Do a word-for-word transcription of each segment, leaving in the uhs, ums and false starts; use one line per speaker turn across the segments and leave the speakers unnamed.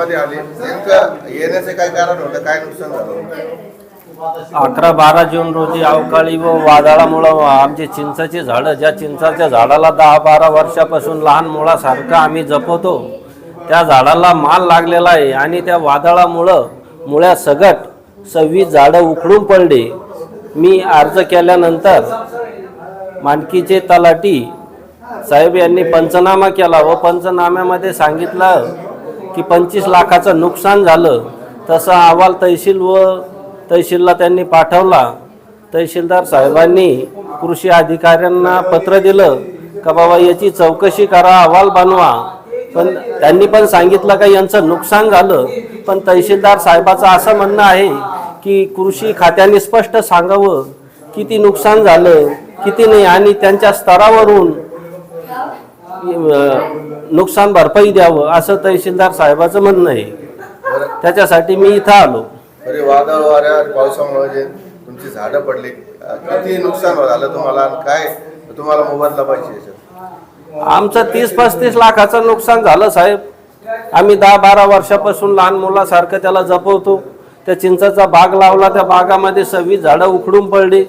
मध्ये आले, नेमकं येण्याचे काय कारण होतं, काय नुकसान झालं?
अकरा बारा जून रोजी अवकाळी व वादळामुळं आमचे चिंचाची झाडं, ज्या चिंचाच्या झाडाला दहा बारा वर्षापासून लहान मुळासारखं आम्ही जपवतो, त्या झाडाला माल लागलेला आहे आणि त्या वादळामुळं मुळ्या सगट सव्वीस झाडं उखडून पडले। मी अर्ज केल्यानंतर मानकीचे तलाठी साहेब यांनी पंचनामा केला व पंचनाम्यामध्ये सांगितलं की पंचवीस लाखाचं नुकसान झालं। तसा अहवाल तहसील व तहसीलला त्यांनी पाठवला। तहसीलदार साहेबांनी कृषी अधिकाऱ्यांना पत्र दिलं का बाबा याची चौकशी करा, अहवाल बनवा, पण त्यांनी पण सांगितलं का यांचं नुकसान झालं। पण तहसीलदार साहेबाचं असं म्हणणं आहे की कृषी खात्याने स्पष्ट सांगावं किती नुकसान झालं किती नाही आणि त्यांच्या स्तरावरून नुकसान भरपाई द्यावं असं तहसीलदार साहेबाचं म्हणणं आहे। त्याच्यासाठी मी इथं आलो।
अरे वादळ वाऱ्या पावसामुळे जे तुमची झाडं पडली, किती नुकसान झालं तुम्हाला आणि काय तुम्हाला मोबदला पाहिजे?
आमचं तीस पस्तीस लाखाचं नुकसान झालं साहेब। आम्ही दहा बारा वर्षापासून लहान मुलासारखं त्याला जपवतो। त्या चिंचाचा बाग लावला, त्या बागामध्ये सव्वीस झाडं उखडून पडली।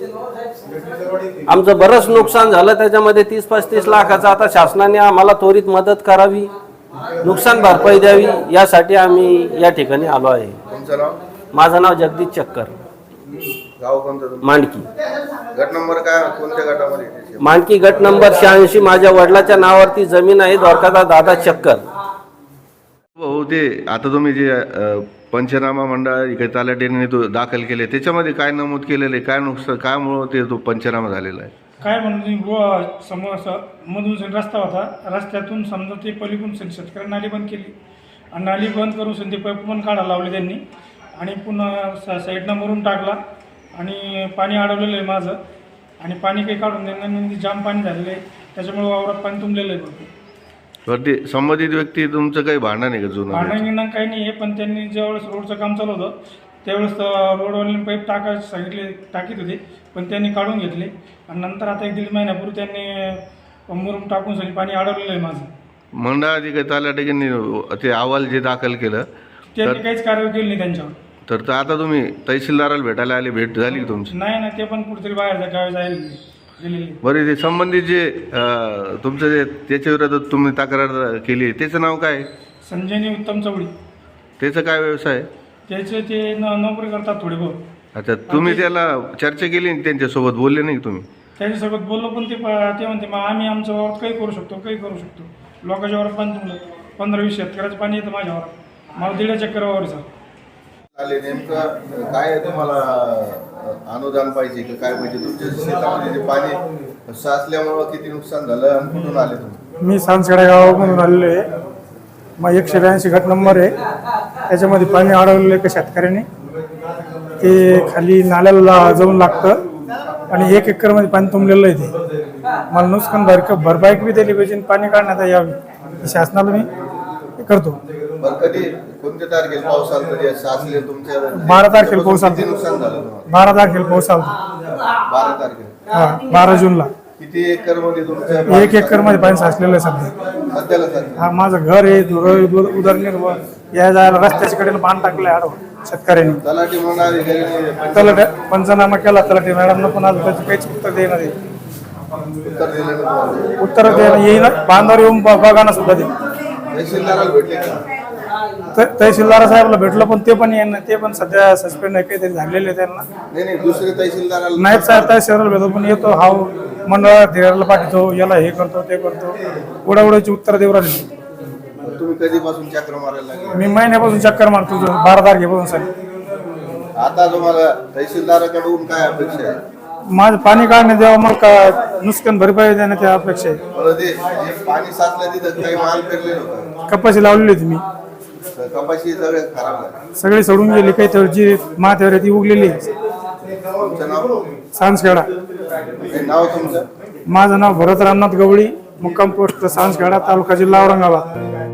आमचं बरंच नुकसान झालं त्याच्यामध्ये तीस पस्तीस लाखाचं। आता शासनाने आम्हाला त्वरित मदत करावी, नुकसान भरपाई द्यावी, यासाठी आम्ही या ठिकाणी आलो आहे।
तुमचं नाव?
माझं नाव जगदीश चक्कर।
गाव कोणतं?
मानकी।
गट नंबर काय, कोणत्या गटामध्ये?
मानकी गट नंबर शहाऐंशी। माझ्या वडिलाच्या नावावरती जमीन आहे, द्वारकादास दादा चक्कर।
हो, ते आता तुम्ही जे पंचनामा मंडळ इकडे तलाठीने तो दाखल केले, त्याच्यामध्ये काय नमूद केलेलं आहे? काय नुकसान, काय मुळे ते तो पंचनामा झालेला आहे?
काय म्हणजे बुवा समोर असं मधून रस्ता होता, रस्त्यातून समजा ते पलीकडून शेतकऱ्यांनी नाली बंद केली आणि नाली बंद करून ते पाईप पण काढायला लावले त्यांनी आणि पुन्हा सा साईडनं मरून टाकला आणि पाणी अडवलेलं आहे माझं आणि पाणी काही काढून देणार जाम पाणी झालेलं आहे, त्याच्यामुळे वावरात पाणी तुंबलेलं आहे भरपूर।
ते संबंधित व्यक्ती तुमचं काही भांडण आहे का जुनं?
भांडण गिंडण काही नाही आहे, पण त्यांनी ज्यावेळेस रोडचं काम चालू होतं त्यावेळेस रोडवाल्याने पाईप टाकायला सांगितले, टाकीत होते, पण त्यांनी काढून घेतले आणि नंतर आता एक दीड महिन्यापूर्वी त्यांनी मुरुम टाकून सगळी पाणी अडवलेलं आहे माझं।
मंडळाधिकारी तलाठीने ते अहवाल जे दाखल केलं
त्यांनी काहीच कारवाई केली नाही त्यांच्यावर।
तर आता तुम्ही तहसीलदाराला भेटायला आले, भेट झाली तुमची?
नाही ना, ते पण कुठेतरी बाहेर गावी जायला गेलेले।
बरे, ते संबंधित जे तुमचं जे त्याच्या विरोधात तुम्ही तक्रार केली त्याचं नाव काय?
संजयनी उत्तम चौडी।
त्याचं काय व्यवसाय?
त्याचे ते न नोकरी करतात थोडे बहुत।
अच्छा, तुम्ही त्याला चर्चा केली त्यांच्यासोबत, बोलले नाही तुम्ही?
त्यांच्यासोबत बोललो, पण ते ते म्हणते मग आम्ही आमच्या वावरात काही करू शकतो, काही करू शकतो। लोकांच्या वावरात पाणी तुमलं, पंधरा वीस शेतकऱ्याचं पाणी येतं माझ्या वावरात, मला दीड चक्कर वावरचा
आले। नेमकं काय तुम्हाला अनुदान पाहिजे की काय पाहिजे? तुमच्या शेतामध्ये जे पाणी साचल्यामुळं किती नुकसान झालं आणि कुठून आले तुम्ही?
मी सांसखेडा गावामधून आलेलो आहे। मग एकशे ब्याऐंशी गट नंबर आहे, त्याच्यामध्ये पाणी अडवलेलं आहे का शेतकऱ्यांनी, ते खाली नाल्याला जाऊन लागतं आणि एक एकरमध्ये पाणी तुंबलेलं आहे। ते मला नुकसान भर भरपाई बी दिली पाहिजे, पाणी काढण्यात यावी शासनाला मी करतो।
कधी कोणत्या तारखेला पाऊस आला साचले तुमच्या?
बारा तारखेला पाऊस आला।
नुकसान झालं
बारा तारखेला पाऊस आला।
बारा तारखेला?
हा, बारा जूनला।
किती एकर मध्ये तुमच्या?
एक एकर मध्ये पाणी साचलेलं आहे सध्या।
सध्याला सध्या
हा, माझं घर आहे, उदरनिर्वाह या जायला रस्त्याच्या कडेला पाणी टाकलंय आडवं शेतकऱ्यांनी।
तलाठी म्हणून
तलाठी पंचनामा केला, तलाठी मॅडमनं पण आज त्याची काहीच उत्तर देणार आहे,
उत्तर दिलं नाही?
उत्तर देणं येईन, बांधावर येऊन बघा ना सुद्धा ते।
तहसीलदाराला भेटले का?
तहसीलदार साहेबला भेटलं, पण ते पण येईन, ते पण सध्या सस्पेंड आहे, काहीतरी झालेले त्यांना।
नाही नाही, दुसरे तहसीलदाराला
नाहीत साहेब, तहसीलदार भेटतो, पण येतो हा मंडळात धीराला पाठवतो, याला हे करतो ते करतो, उडाउडाची उत्तर देऊ राहिले।
तुम्ही कधीपासून चक्र मारायला लागले?
मी महिन्यापासून चक्कर मारतो, बारा तारखेपासून साहेब।
आता तुम्हाला तहसीलदाराकडून काय अपेक्षा आहे?
माझं पाणी काढण्यात द्यावं, मग का नुकसान भरपाई देण्यात अपेक्षा आहे।
ते पाणी साचलं तिथं काही माल पेरलेलं होतं?
कपाशी लावलेली होती मी,
कपाशी सगळे खराब झाली,
सगळी सोडून गेली, काही तर जी माथ्यावर ती उगलेली।
तुमचं नाव?
सांसखेडा।
नाव तुमचं?
माझं नाव भरत रामनाथ गवळी, मुक्काम पोस्ट सांसखेडा, तालुका जिल्हा औरंगाबाद।